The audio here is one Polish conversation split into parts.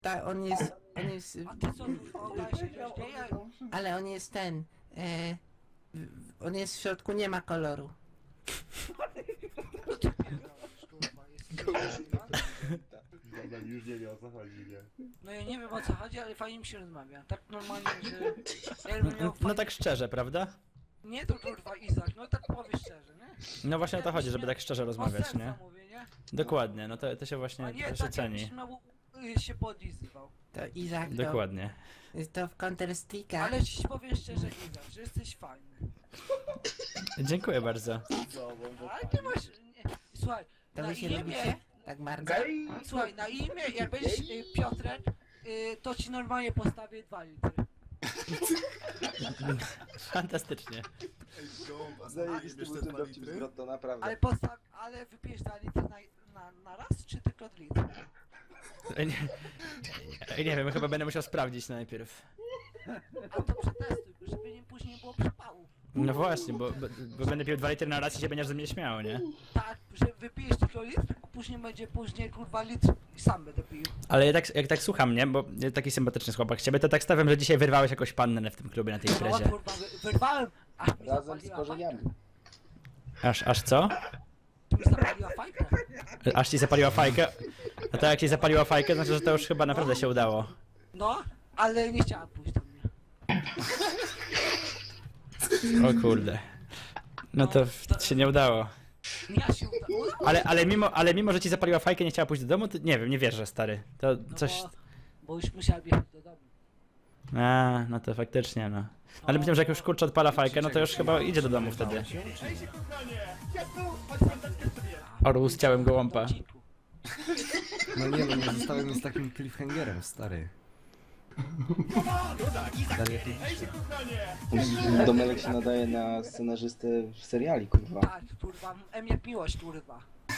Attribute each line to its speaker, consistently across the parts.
Speaker 1: Tak, on jest,
Speaker 2: A ty co, kurwa, się dzieje?
Speaker 1: ale on jest ten, on jest w środku, nie ma koloru.
Speaker 2: No ty pierdolisz, kurwa, jest
Speaker 3: Dobra, już nie wie o co chodzi, nie?
Speaker 2: No ja nie wiem o co chodzi, ale fajnie mi się rozmawia. Tak normalnie, że... Jakbym miał
Speaker 4: No
Speaker 2: fajnie...
Speaker 4: tak szczerze, prawda?
Speaker 2: Nie to kurwa Izak, no tak powiedz szczerze, nie?
Speaker 4: No właśnie o to chodzi, żeby tak szczerze rozmawiać,
Speaker 2: O
Speaker 4: nie?
Speaker 2: serca mówię, nie?
Speaker 4: Dokładnie, no to się
Speaker 2: A
Speaker 4: właśnie
Speaker 2: nie
Speaker 4: to się
Speaker 2: tak
Speaker 4: ceni.
Speaker 2: jakbyś miał się podlizywał.
Speaker 1: To Izak,
Speaker 4: Dokładnie.
Speaker 1: to w Counter-Strike'a.
Speaker 2: Ale ci powiem szczerze Izak, że jesteś fajny.
Speaker 4: Dziękuję bardzo.
Speaker 2: Ale ty masz... Nie. Słuchaj,
Speaker 1: To
Speaker 2: na
Speaker 1: wy się
Speaker 2: imię...
Speaker 1: lubicie tak bardzo?
Speaker 2: Słuchaj, na imię, jak będziesz Piotrek, to ci normalnie postawię 2 litry.
Speaker 4: Fantastycznie.
Speaker 3: Zajebisty był ten dowcip z Grotto, naprawdę.
Speaker 2: Ale wypijesz 2 litry na raz, czy tylko litr?
Speaker 4: Nie wiem, chyba będę musiał sprawdzić najpierw.
Speaker 2: A to przetestuj, żeby nie później było przypału.
Speaker 4: No właśnie, bo będę pił 2 litry na raz i się będziesz ze mnie śmiał, nie?
Speaker 2: Tak, że wypijesz tylko litr, później kurwa litr i sam będę pił.
Speaker 4: Ale jak tak słucham, nie? Bo taki sympatyczny chłopak z ciebie, to tak stawiam, że dzisiaj wyrwałeś jakąś pannę w tym klubie na tej
Speaker 2: No
Speaker 4: imprezie.
Speaker 2: kurwa, wyrwałem, aż mi
Speaker 3: Razem z
Speaker 2: zapaliła
Speaker 3: korzeniami.
Speaker 4: Aż co?
Speaker 2: fajkę. Mi zapaliła fajkę.
Speaker 4: Aż ci zapaliła fajkę? A to jak ci zapaliła fajkę, znaczy, że to już chyba naprawdę się udało.
Speaker 2: No, ale nie chciała pójść do mnie.
Speaker 4: O kurde. No to się nie udało.
Speaker 2: Ja się udało.
Speaker 4: Ale mimo, że ci zapaliła fajkę, nie chciała pójść do domu, to nie wiem, nie wierzę, stary. To
Speaker 2: No
Speaker 4: coś...
Speaker 2: bo już musiałem jechać do domu.
Speaker 4: A, no to faktycznie, no. Ale myślę, że jak już kurczę odpala fajkę, no to już chyba idzie do domu wtedy. Orł z ciałem gołąpa.
Speaker 5: No nie no, nie zostałem z takim cliffhangerem, stary. Dalej tu
Speaker 3: Domelek się nadaje na scenarzystę w seriali, kurwa.
Speaker 2: Tak, kurwa, M jak miłość, kurwa.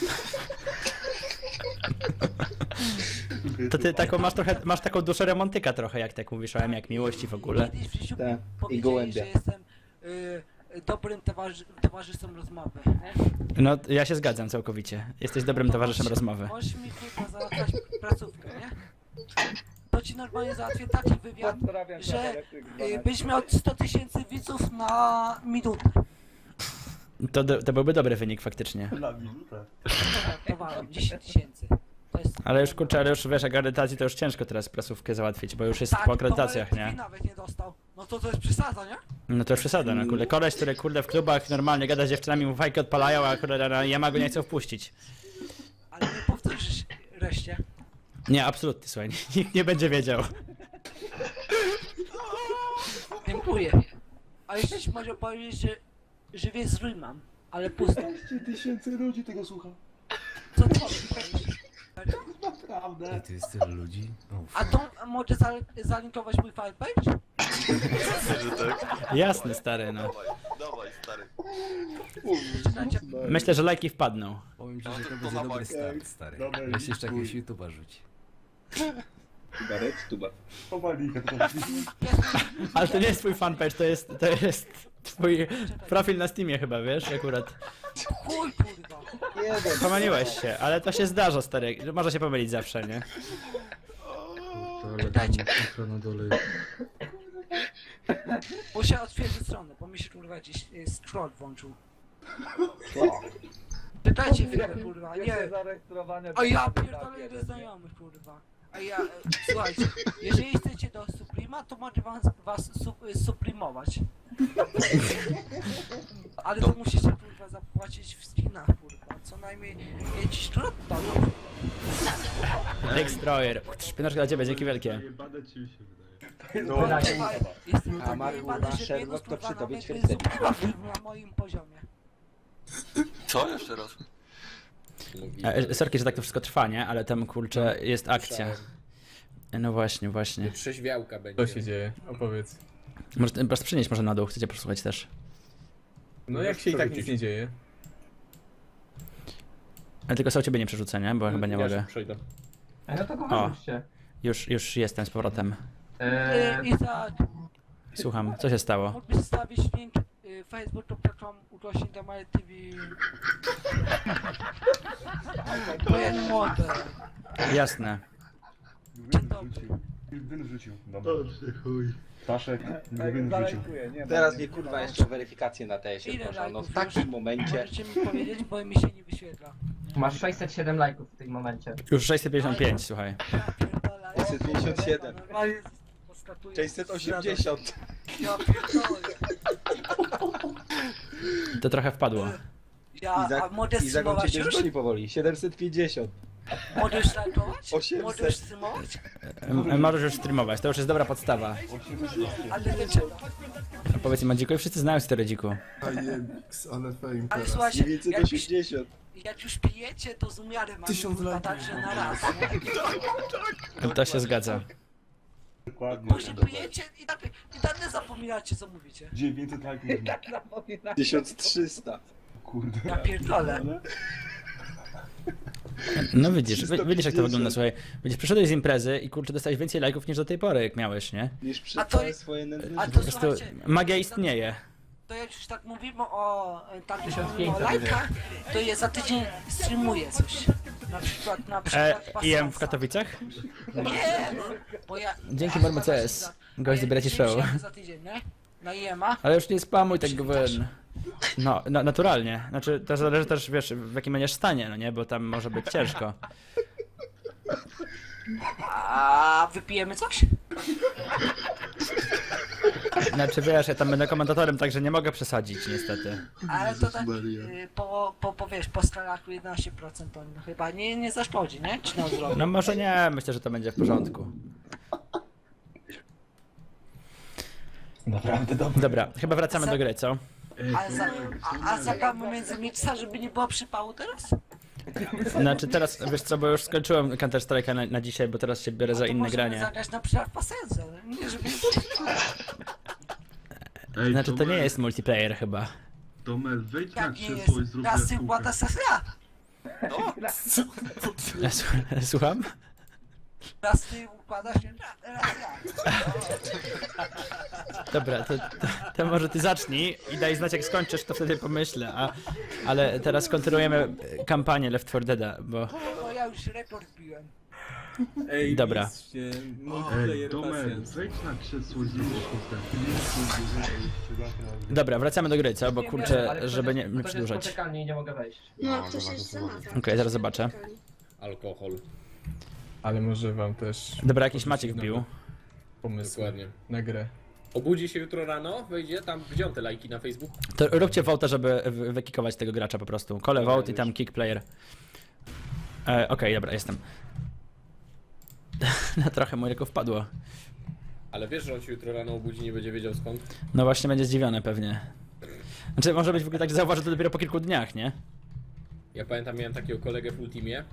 Speaker 4: To ty taką masz taką duszę romantyka trochę, jak tak mówisz o M jak miłości w ogóle.
Speaker 2: Kiedyś w życiu
Speaker 3: Tak,
Speaker 2: mi
Speaker 3: i
Speaker 2: powiedzieli,
Speaker 3: gołębia.
Speaker 2: że jestem dobrym towarzyszem rozmowy, nie?
Speaker 4: No, ja się zgadzam całkowicie. Jesteś dobrym towarzyszem rozmowy.
Speaker 2: Możesz mi kurwa załatwiać placówkę, nie? To ci normalnie załatwię taki wywiad, że byś miał 100 000 widzów na minutę.
Speaker 4: To byłby dobry wynik faktycznie.
Speaker 3: Na minutę.
Speaker 2: Żartowałem, 10 000. To jest...
Speaker 4: Ale już kurczę, ale już wiesz, akredytacji to już ciężko teraz prasówkę załatwić, bo już jest
Speaker 2: Tak,
Speaker 4: po akredytacjach,
Speaker 2: Tomek
Speaker 4: nie?
Speaker 2: nawet nie dostał. No to jest przesada, nie?
Speaker 4: No to już przesada, no kurde. Koleś, który kurde w klubach normalnie gada z dziewczynami, mu fajki odpalają, a kurde na Yamago nie chcą wpuścić.
Speaker 2: Ale nie powtórzysz reszcie.
Speaker 4: Nie, absolutnie, słuchaj, nikt nie będzie wiedział.
Speaker 2: Dziękuję. A jeszcze ci może powiedzieć, że wie zrój mam, ale pusto.
Speaker 3: 10 000 ludzi tego słucha.
Speaker 2: Co ty powiesz?
Speaker 3: Naprawdę.
Speaker 5: ty jest tyle ludzi? O,
Speaker 2: A to może zalinkować mój fanpage?
Speaker 4: Jasny, stary, no.
Speaker 6: Dawaj, stary.
Speaker 2: Zaczynacie.
Speaker 4: Myślę, że lajki wpadną.
Speaker 5: powiem ci, że to będzie dobry start, stary.
Speaker 3: Dobra,
Speaker 5: Weź jeszcze
Speaker 3: chuj.
Speaker 5: jakiegoś YouTube'a rzuć.
Speaker 3: Tubarek, tuba. Powalika to
Speaker 4: Ale to nie jest twój fanpage, to jest twój profil na Steamie chyba, wiesz, akurat.
Speaker 2: Chuj kurwa.
Speaker 3: Jeden.
Speaker 4: Pomyliłeś się, ale to się zdarza, stary. Może się pomylić zawsze, nie?
Speaker 5: Ale
Speaker 2: Dajcie.
Speaker 5: tam na dole.
Speaker 2: Muszę otwierdzić stronę, bo mi się kurwa gdzieś scroll włączył. Pytajcie chwilę kurwa, nie. A ja pierdolę ile znajomych kurwa. A ja, słuchajcie, jeżeli chcecie do Suprema, to mogę was suprimować. Ale to musicie kurwa zapłacić w skinach kurwa, co najmniej 5 $.
Speaker 4: Destroyer. Szpinaczka dla ciebie, dzięki wielkie.
Speaker 3: No,
Speaker 2: Jestem
Speaker 3: A
Speaker 2: tak
Speaker 3: ma,
Speaker 2: wyjebany,
Speaker 3: kurwa,
Speaker 2: że
Speaker 3: Sherlock
Speaker 2: minus,
Speaker 3: to
Speaker 2: kurwa,
Speaker 3: przy tobie
Speaker 2: nawet
Speaker 3: ćwierćwiecznik.
Speaker 2: jest na moim poziomie.
Speaker 6: Co? Jeszcze raz?
Speaker 4: Sorki, że tak to wszystko trwa, nie? Ale tam, kurczę, jest akcja. No właśnie, właśnie.
Speaker 7: Trzeźwiałka będzie.
Speaker 8: Co się dzieje? Opowiedz.
Speaker 4: Może po prostu przynieść może na dół, chcecie posłuchać też.
Speaker 8: No jak się i tak nic nie dzieje.
Speaker 4: Ale tylko są ciebie nie przerzucę, nie? Bo chyba nie mogę.
Speaker 8: Przejdę.
Speaker 9: No to go
Speaker 4: O.
Speaker 9: wyrzućcie.
Speaker 4: Już jestem z powrotem.
Speaker 2: I tak,
Speaker 4: Słucham, co się stało?
Speaker 2: mógłbyś stawić link facebook.com/DMR-TV. To jest młode.
Speaker 4: Jasne.
Speaker 2: Dzień dobry.
Speaker 7: Win rzucił. Dobra. Staszek, win rzucił.
Speaker 3: Teraz mnie kurwa jeszcze weryfikację na TS-ie
Speaker 2: Ile
Speaker 3: proszę, no w
Speaker 2: lajków
Speaker 3: takim
Speaker 2: już?
Speaker 3: momencie.
Speaker 2: Możecie mi powiedzieć, bo mi się nie wyświetla.
Speaker 9: Masz 607 lajków w tym momencie.
Speaker 4: Już 655, słuchaj.
Speaker 2: Ja pierdolę.
Speaker 3: 657.
Speaker 2: Normalnie poskatuję.
Speaker 3: 680.
Speaker 2: Ja pierdolę.
Speaker 4: To trochę wpadło.
Speaker 2: A mogę
Speaker 3: Izak on
Speaker 2: streamować
Speaker 3: ciebie
Speaker 2: już?
Speaker 3: zgoni powoli. 750.
Speaker 2: Mogę już streamować?
Speaker 3: 800.
Speaker 2: Mogę już streamować?
Speaker 4: Możesz już streamować, to już jest dobra podstawa.
Speaker 2: Ale dlaczego?
Speaker 4: A powiedz im, Madziku, wszyscy znają stary dziku.
Speaker 7: Ale fame
Speaker 2: Ale słuchajcie, jak już,
Speaker 3: 980.
Speaker 2: jak już pijecie, to z umiarem, a
Speaker 7: 1000
Speaker 2: nie
Speaker 7: lajków.
Speaker 2: także na raz, nie?
Speaker 4: To się zgadza.
Speaker 7: Dokładnie.
Speaker 2: Później pijecie i nagle zapominacie, co mówicie.
Speaker 7: 900 lajków.
Speaker 3: 1300.
Speaker 7: Kurde.
Speaker 2: Ja pierdolę.
Speaker 4: No widzisz, widzisz jak to wygląda, słuchaj. Widzisz, przyszedłeś z imprezy i kurczę, dostałeś więcej lajków niż do tej pory, jak miałeś, nie?
Speaker 3: Niż
Speaker 2: A
Speaker 3: przez
Speaker 2: to
Speaker 3: całe
Speaker 2: jest-
Speaker 3: swoje nędzne
Speaker 2: a
Speaker 3: życie.
Speaker 4: Po
Speaker 2: to
Speaker 4: prostu
Speaker 2: słuchajcie,
Speaker 4: magia istnieje.
Speaker 2: to jak już tak mówimy o tak mówimy o
Speaker 9: 1500
Speaker 2: lajkach, to ja za tydzień streamuję coś. Na przykład
Speaker 4: IM w
Speaker 2: Pasensa.
Speaker 4: Katowicach?
Speaker 2: Nie, bo ja...
Speaker 4: Dzięki bardzo CS. Gość zabiera ci show.
Speaker 2: Przyjdziemy za tydzień, nie? Na IEM-a.
Speaker 4: Ale już nie spamuj tego wen. No, naturalnie. Znaczy, to zależy też, wiesz, w jakim będziesz stanie, no nie? Bo tam może być ciężko.
Speaker 2: A wypijemy coś?
Speaker 4: Znaczy, wiesz, ja tam będę komentatorem, także nie mogę przesadzić, niestety.
Speaker 2: Ale to tak wiesz, po skalaku 11% to chyba nie zaszkodzi, nie? Czy na zdrowie?
Speaker 4: No może nie, myślę, że to będzie w porządku.
Speaker 7: Naprawdę dobry.
Speaker 4: Dobra, chyba wracamy do gry, co?
Speaker 2: A zagramy między miksa, żeby nie było przypału teraz?
Speaker 4: Znaczy teraz, wiesz co, bo już skończyłem Counter Strike'a na dzisiaj, bo teraz się biorę za
Speaker 2: To
Speaker 4: inne
Speaker 2: możemy
Speaker 4: granie.
Speaker 2: zagrać na przykład Pasensa, nie żeby...
Speaker 4: Znaczy to nie jest multiplayer chyba.
Speaker 7: Tomer, wejdź na
Speaker 2: Jak nie
Speaker 7: krzesło i
Speaker 2: jest?
Speaker 7: zrób
Speaker 2: Raz ty
Speaker 7: jaskółkę.
Speaker 2: układa sesja.
Speaker 4: Słucham?
Speaker 2: Raz ty układasz, raz ja.
Speaker 4: Dobra, to może ty zacznij i daj znać jak skończysz, to wtedy pomyślę, ale teraz kontynuujemy kampanię Left 4 Dead'a, bo...
Speaker 2: No ja już rekord biłem.
Speaker 8: Ej,
Speaker 4: Dobra.
Speaker 8: mistrzie, multiplayer
Speaker 7: Tomer,
Speaker 8: pasjans.
Speaker 7: wejdź na krzesło i zrób jaskółkę.
Speaker 4: Dobra, wracamy do gry, co? Bo kurczę,
Speaker 9: Ale
Speaker 4: żeby nie
Speaker 9: ktoś jest
Speaker 4: przedłużać.
Speaker 9: poczekalny i nie mogę wejść.
Speaker 10: No, ktoś jest za mapą.
Speaker 4: Okej, zaraz zobaczę.
Speaker 11: Alkohol.
Speaker 8: Ale może wam też
Speaker 4: Dobra, jakiś Maciek wbił.
Speaker 8: pomysł
Speaker 11: Dokładnie.
Speaker 8: na grę.
Speaker 11: Obudzi się jutro rano, wejdzie tam, gdzie on te lajki na Facebook?
Speaker 4: To róbcie vote'a, żeby wykikować tego gracza po prostu. Kole vote i tam kick player. Okej, dobra, jestem. No trochę mu ręko wpadło.
Speaker 11: Ale wiesz, że on się jutro rano obudzi, nie będzie wiedział skąd?
Speaker 4: No właśnie będzie zdziwiony pewnie. Znaczy może być w ogóle tak, że zauważy to dopiero po kilku dniach, nie?
Speaker 11: Ja pamiętam, miałem takiego kolegę w Ultimie,